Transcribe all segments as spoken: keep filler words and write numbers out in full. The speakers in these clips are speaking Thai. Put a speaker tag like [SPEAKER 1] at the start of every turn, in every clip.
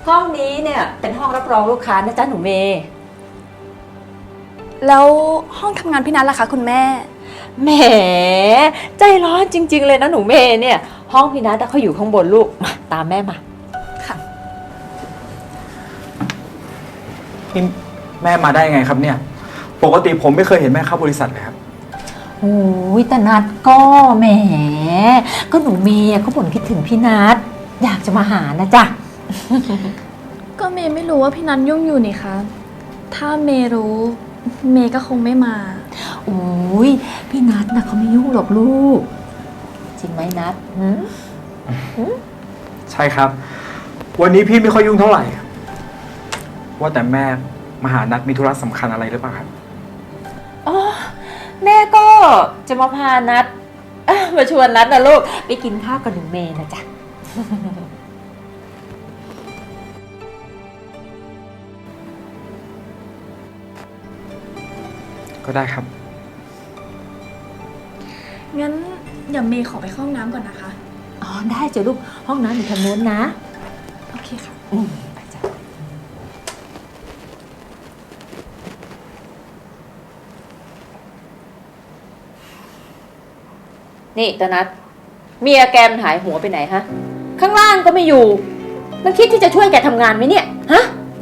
[SPEAKER 1] ห้องนี้เนี่ยเป็นห้องรับรองลูกค้านะจ๊ะหนูเมย์
[SPEAKER 2] แล้วห้องทำงานพี่นัทล่ะคะคุณแม่
[SPEAKER 1] แหมใจร้อนจริงๆเลยนะหนูเมย์เนี่ยห้องพี่นัทเขาอยู่ข้างบนลูกมาตามแม่มา
[SPEAKER 2] ค่ะ
[SPEAKER 3] นี่แม่มาได้ยังไงครับเนี่ยปกติผมไม่เคยเห็นแม่เข้าบริษัทเลยครับ
[SPEAKER 1] โอ้ยแต่นัดก็แหมก็หนูเมย์เขาบ่นคิดถึงพี่นัทอยากจะมาหานะจ๊ะ
[SPEAKER 2] ก็เมย์ไม่รู้ว่าพี่นัทยุ่งอยู่นี่คะถ้าเมย์รู้เมย์ก็คงไม่มา
[SPEAKER 1] โอ้ยพี่นัทนะเขาไม่ยุ่งหรอกลูกจริงไหมนัทหืม
[SPEAKER 3] ใช่ครับวันนี้พี่ไม่ค่อยยุ่งเท่าไหร่ว่าแต่แม่มาหานัดมีธุระสำคัญอะไรหรือเปล่าครับ
[SPEAKER 1] อ๋อแม่ก็จะมาพานัดมาชวนนัดนะลูกไปกินข้าวกับหนูเมย์นะจ๊ะ
[SPEAKER 3] ก็ได้ครับ
[SPEAKER 2] งั้นเดี๋ยวเมย์ขอไปเข้าห้องน้ำก่อนนะคะ
[SPEAKER 1] อ๋อได้จ้ะลูกห้องน้ำอยู่ทางโน้นนะ
[SPEAKER 2] โอเคค่ะ
[SPEAKER 1] อืมไปจ้ะนี่ตานัทเมียแกมันหายหัวไปไหนฮะข้างล่างก็ไม่อยู่มันคิดที่จะช่วยแกทำงานไหมเนี่ยฮะ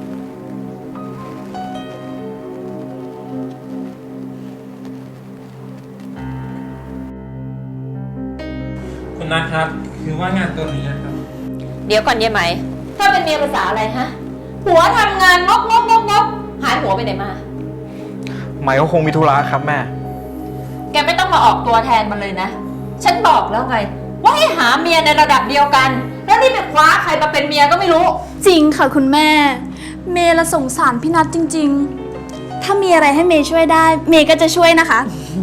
[SPEAKER 4] คุณนัทครับคือว่างานตัวนี้นะครับ
[SPEAKER 1] เดี๋ยวก่อนเยไหมถ้าเป็นเมียภาษาอะไรฮะหัวทำงานงกงกงกงกหายหัวไปไหนมา
[SPEAKER 3] ไหมก็คงมีธุระครับแม่
[SPEAKER 1] แกไม่ต้องมาออกตัวแทนมันเลยนะฉันบอกแล้วไงว่าให้หาเมียในระดับเดียวกันแล้วนี่ไปคว้าใครมาเป็นเมียก็ไม่รู้
[SPEAKER 2] จริงค่ะคุณแม่เมย์ละสงสารพี่นัทจริงๆถ้ามีอะไรให้เมย์ช่วยได้เมย์ก็จะช่วยนะคะ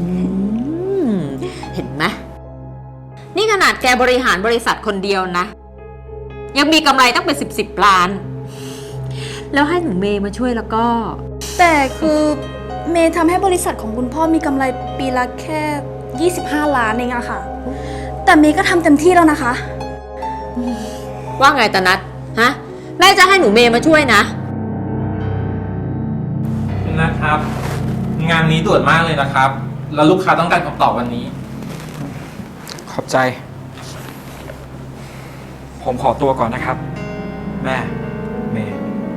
[SPEAKER 1] เห็นไหมนี่ขนาดแกบริหารบริษัทคนเดียวนะยังมีกำไรตั้งเป็นสิบสิบล้านแล้วให้หนูเมย์มาช่วยแล้วก็
[SPEAKER 2] แต่คือเมย์ทำให้บริษัทของคุณพ่อมีกำไรปีละแค่ยี่สิบห้าล้านเองอะค่ะแต่เมย์ก็ทำเต็มที่แล้วนะคะ
[SPEAKER 1] ว่าไงตานัทฮะแม่จะให้หนูเมย์มาช่วยนะ
[SPEAKER 4] คุณนัทครับงานนี้ด่วนมากเลยนะครับแล้วลูกค้าต้องการคำตอบวันนี้
[SPEAKER 3] ขอบใจผมขอตัวก่อนนะครับแม่เมย์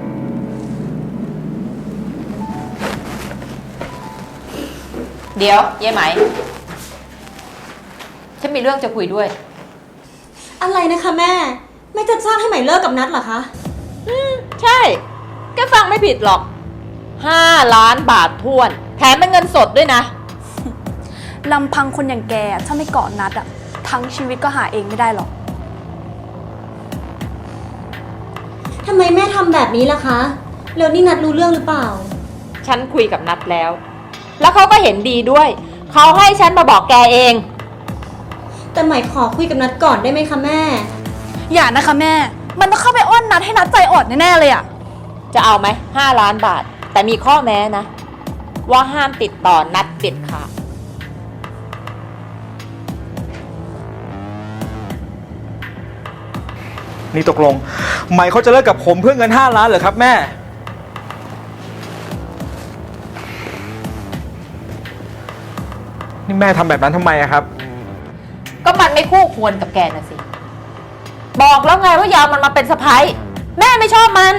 [SPEAKER 1] เดี๋ยวเย้ไหมฉันมีเรื่องจะคุยด้วย
[SPEAKER 5] อะไรนะคะแม่แม่จะจ้างให้ไหมเลิกกับนัทเหรอคะ
[SPEAKER 1] อืมใช่แกฟังไม่ผิดหรอกห้าล้านบาททวนแถมเป็นเงินสดด้วยนะ
[SPEAKER 2] ลำพังคนอย่างแกถ้าไม่เกาะนัดอะทั้งชีวิตก็หาเองไม่ได้หรอก
[SPEAKER 5] ทำไมแม่ทำแบบนี้ล่ะคะแล้วนี่นัทรู้เรื่องหรือเปล่า
[SPEAKER 1] ฉันคุยกับนัทแล้วแล้วเขาก็เห็นดีด้วยเขาให้ฉันมาบอกแกเอง
[SPEAKER 5] แต่ไหมขอคุยกับนัทก่อนได้ไหมคะแม่
[SPEAKER 2] อย่านะคะแม่มันต้องเข้าไปอ้อนนัทให้นัทใจอ่อนแน่ๆเลยอะ
[SPEAKER 1] จะเอาไหมห้าล้านบาทแต่มีข้อแม้นะว่าห้ามติดต่อนัทเด็ดขาด
[SPEAKER 3] นี่ตกลงไหมเขาจะเลิกกับผมเพื่อเงินห้าล้านเหรอครับแม่นี่แม่ทำแบบนั้นทำไมอะครับ
[SPEAKER 1] ก็มันไม่คู่ควรกับแกนะสิบอกแล้วไงว่าอย่าเอามันมาเป็นสะใภ้แม่ไม่ชอบมัน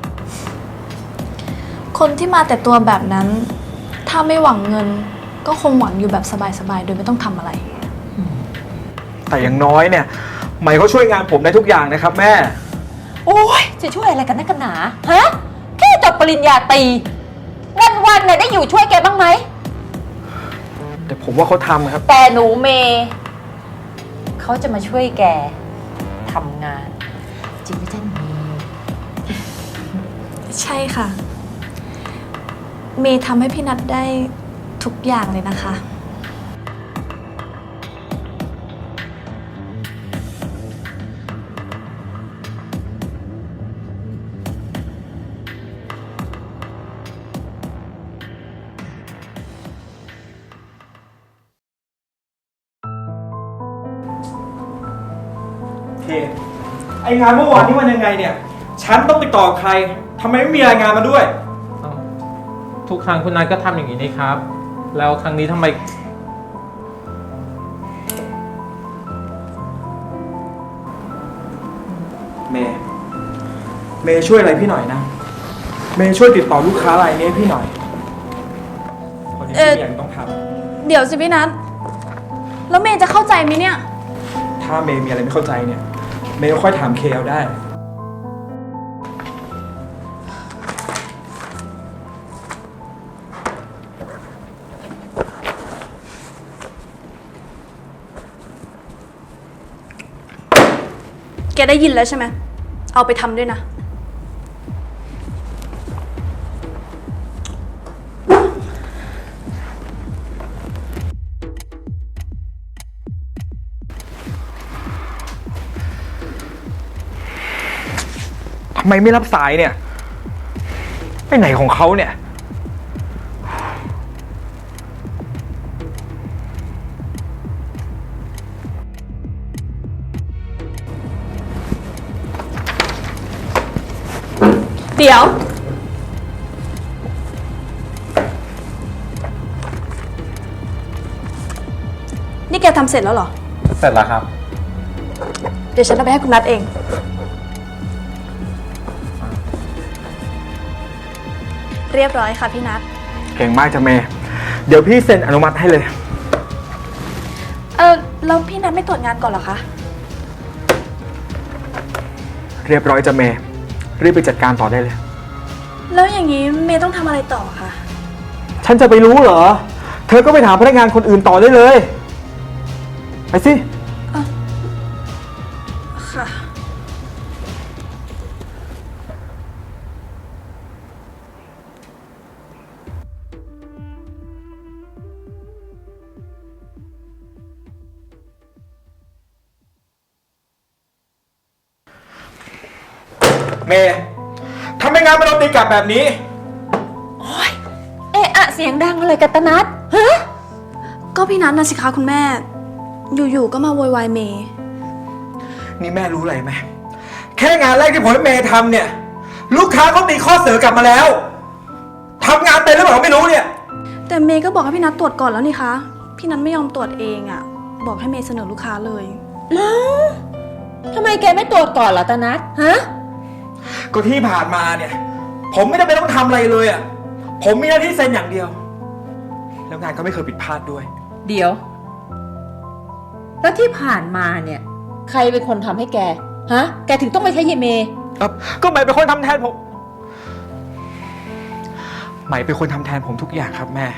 [SPEAKER 2] คนที่มาแต่ตัวแบบนั้นถ้าไม่หวังเงินก็คงหวังอยู่แบบสบายๆโดยไม่ต้องทำอะไร
[SPEAKER 3] แต่อย่างน้อยเนี่ยไหมเขาช่วยงานผมได้ทุกอย่างนะครับแม่
[SPEAKER 1] โอ้ยจะช่วยอะไรกันนักกันหนาฮะแค่จบปริญญาตรีวันๆเนี่ยได้อยู่ช่วยแกบ้างไหม
[SPEAKER 3] แต่ผมว่าเขาทำครับ
[SPEAKER 1] แต่หนูเมย์เขาจะมาช่วยแกทำงานจริงไหมจ๊ะหนูเมย์
[SPEAKER 2] ใช่ค่ะเมย์ทำให้พี่นัทได้ทุกอย่างเลยนะคะ
[SPEAKER 3] ไองานเมื่อวานนี้มันยังไงเนี่ยฉันต้องติดต่อใครทำไมไม่มีรายงานมาด้วย
[SPEAKER 4] เอ้าทุกครั้งคุณนัทก็ทำอย่างนี้นี่ครับ แล้วครั้งนี้ทำไม
[SPEAKER 3] เมย์เมย์ช่วยอะไรพี่หน่อยนะ เมย์ช่วยติดต่อลูกค้ารายนี้ให้พี่หน่อยพอดี
[SPEAKER 2] เอ่อ
[SPEAKER 3] พี่ยังต้องท
[SPEAKER 2] เดี๋ยวสิพี่นัทแล้วเมย์จะเข้าใจไหมเนี่ย
[SPEAKER 3] ำถ้าเมย์มีอะไรไม่เข้าใจเนี่ย เมย์ก็ค่อยถามเคเอาได้
[SPEAKER 2] แกได้ยินแล้วใช่ไหม เอาไปทำด้วยนะ
[SPEAKER 3] ทำไมไม่รับสายเนี่ย ไปไหนของเขาเนี่ย
[SPEAKER 2] เดี๋ยว นี่แกทำเสร็จแล้วเหรอ
[SPEAKER 4] เสร็จแล้วครับ
[SPEAKER 2] เดี๋ยวฉันเอาไปให้คุณนัทเอง เรียบร้อยค่ะพี่นัท
[SPEAKER 3] เก่งมากจ้ะเมย์เดี๋ยวพี่เซ็นอนุมัติให้เลย
[SPEAKER 2] เออแล้วพี่นัทไม่ตรวจงานก่อนเหรอคะ
[SPEAKER 3] เรียบร้อยจ้ะเมย์รีบไปจัดการต่อได้เลย
[SPEAKER 2] แล้วอย่างนี้เมย์ต้องทำอะไรต่อคะ
[SPEAKER 3] ฉันจะไปรู้เหรอ เธอก็ไปถามพนักงานคนอื่นต่อได้เลย ไปสิ
[SPEAKER 2] ค่ะ
[SPEAKER 3] เมย์ทำไมงานมันโดนตีกลับแบบนี้
[SPEAKER 1] เอะอะเสียงดังอะไรกันตะนัดฮะ
[SPEAKER 2] ก็พี่นัทนะสิคะคุณแม่ อยู่ๆก็มาโวยวายเมย์
[SPEAKER 3] นี่แม่รู้อะไรไหมแค่งานแรกที่ผมให้เมย์ทำเนี่ย ลูกค้าเขาตีข้อเสนอกลับมาแล้วทำงานเป็นหรือเปล่าไม่รู้เนี่ย
[SPEAKER 2] แต่เมย์ก็บอกให้พี่นัทตรวจก่อนแล้วนี่คะ พี่นัทไม่ยอมตรวจเองอะบอกให้เมย์เสนอลูกค้าเลย
[SPEAKER 1] ทำไมแกไม่ตรวจก่อนเหรอตะนัดฮะ
[SPEAKER 3] ก็ที่ผ่านมาเนี่ย ผมไม่ได้ไปนต้องทำอะไรเลยอ่ะผมมีหน้าที่เซ็นอย่างเดียว แล้วงานก็ไม่เคยผิดพลาดด้วย
[SPEAKER 1] เดี๋ยว แล้วที่ผ่านมาเนี่ย ใครเป็นคนทำให้แก ฮะ แกถึงต้องไปใช้เยเม
[SPEAKER 3] ครับก็หมายเป็นคนทำแทนผมหมายเป็นคนทำแทนผมทุกอย่างครับแม่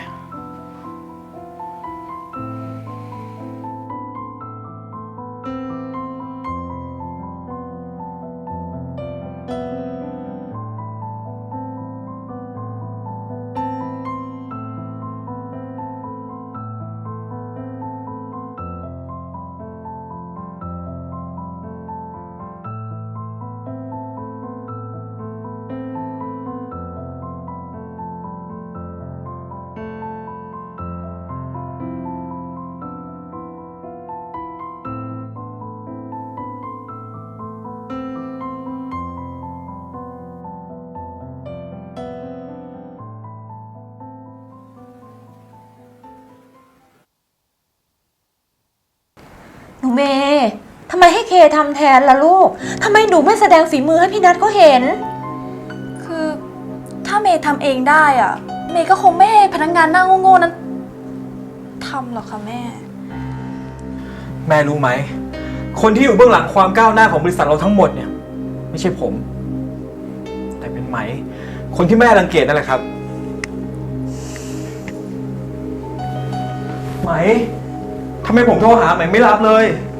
[SPEAKER 1] หนูเมย์ทำไมให้เคทำแทนล่ะลูก ทำไมหนูไม่แสดงฝีมือให้พี่นัทเขาเห็น
[SPEAKER 2] คือถ้าเมย์ทำเองได้อะเมย์ก็คงไม่ให้พนักงานหน้าโง่ๆนั้นทำหรอกค่ะแม่
[SPEAKER 3] แม่รู้ไหมคนที่อยู่เบื้องหลังความก้าวหน้าของบริษัทเราทั้งหมดเนี่ย ไม่ใช่ผม แต่เป็นไหม คนที่แม่รังเกียจนั่นแหละครับ ไหมทำไมผมโทรหาไหมไม่รับเลย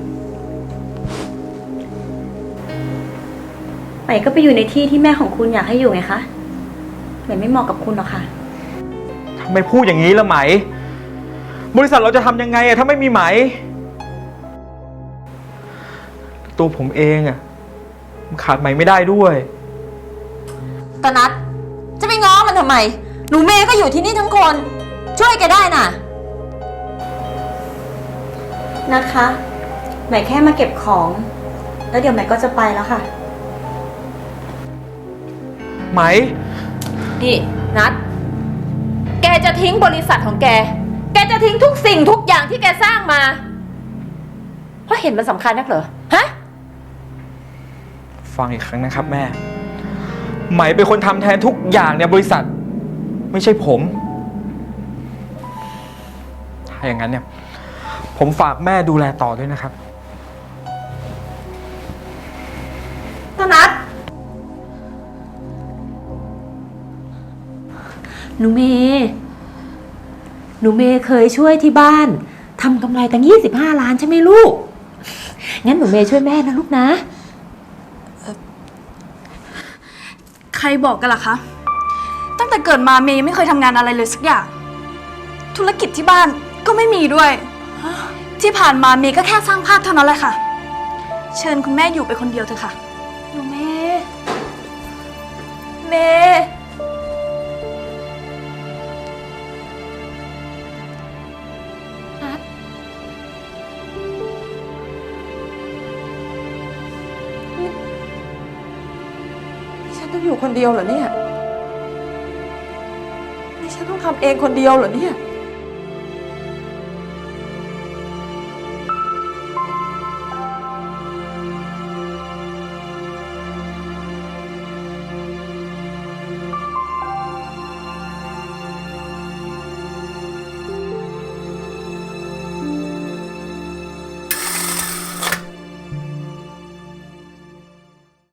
[SPEAKER 5] ใหม่ก็ไปอยู่ในที่ที่แม่ของคุณอยากให้อยู่ไงคะใหม่ไม่เหมาะกับคุณหรอกค่ะ
[SPEAKER 3] ทำไมพูดอย่างนี้ละไหม บริษัทเราจะทำยังไงอะถ้าไม่มีไหม ตัวผมเองอะมันขาดไหมไม่ได้ด้วย
[SPEAKER 1] ตะนัดจะไปง้อมันทำไม หนูเมย์ก็อยู่ที่นี่ทั้งคน ช่วยแกได้น่ะ
[SPEAKER 5] นัทคะใหม่แค่มาเก็บของ แล้วเดี๋ยวใหม่ก็จะไปแล้วค่ะ
[SPEAKER 3] ไหม
[SPEAKER 1] นี่นัดแกจะทิ้งบริษัทของแก แกจะทิ้งทุกสิ่งทุกอย่างที่แกสร้างมา เพราะเห็นมันสำคัญนักเหรอ ฮะ
[SPEAKER 3] ฟังอีกครั้งนะครับแม่ ไหมเป็นคนทำแทนทุกอย่างในบริษัท ไม่ใช่ผม ถ้าอย่างนั้นเนี่ย ผมฝากแม่ดูแลต่อด้วยนะครับ
[SPEAKER 1] ตนัดหนูเมย์หนูเมย์เคยช่วยที่บ้านทำกำไรตั้งยี่สิบห้าล้านใช่ไหมลูก งั้นหนูเมย์ช่วยแม่นะลูกนะ
[SPEAKER 2] ใครบอกกันล่ะคะ ตั้งแต่เกิดมาเมย์ยังไม่เคยทำงานอะไรเลยสักอย่าง ธุรกิจที่บ้านก็ไม่มีด้วย ที่ผ่านมาเมย์ก็แค่สร้างภาพเท่านั้นแหละค่ะ เชิญคุณแม่อยู่ไปคนเดียวเถอะค่ะ
[SPEAKER 1] หนูเมย์เมย์นัดนี่ฉันต้องอยู่คนเดียวเหรอเนี่ยนี่ฉันต้องทำเองคนเดียวเหรอเนี่ย